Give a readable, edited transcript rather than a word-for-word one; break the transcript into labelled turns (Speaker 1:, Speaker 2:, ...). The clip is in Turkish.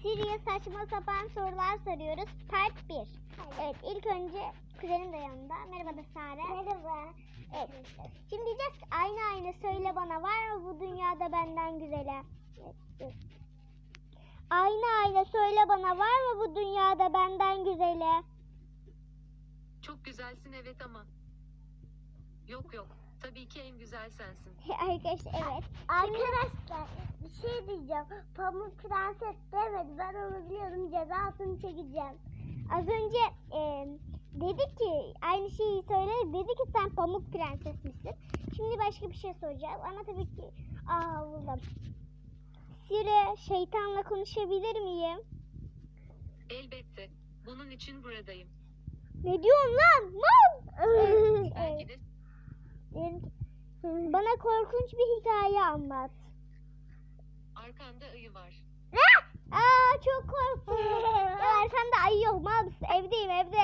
Speaker 1: Siri'ye saçma sapan sorular soruyoruz. Part 1. Evet, ilk önce kuzenim de yanında. Merhaba da Sare.
Speaker 2: Merhaba.
Speaker 1: Evet. Şimdi diyeceğiz ki aynı söyle bana, var mı bu dünyada benden güzeli? Evet. Aynı söyle bana, var mı bu dünyada benden güzeli?
Speaker 3: Çok güzelsin evet ama. Yok. Tabii ki en güzel sensin.
Speaker 1: Arkadaşlar evet.
Speaker 2: Arkadaşlar bir şey diyeceğim. Pamuk Prenses demedi. Ben onu biliyorum. Cezasını çekeceğim.
Speaker 1: Az önce dedi ki aynı şeyi söyledi. Dedi ki sen Pamuk Prenses misin? Şimdi başka bir şey soracağım ama tabii ki buldum. Siri, şeytanla konuşabilir miyim?
Speaker 3: Elbette. Bunun için buradayım.
Speaker 1: Ne diyorsun lan?
Speaker 3: Belki de
Speaker 1: Bana korkunç bir hikaye anlat.
Speaker 3: arkanda ayı var.
Speaker 1: Çok korktum. Ya arkamda ayı yok, mal mısın? Evdeyim evde.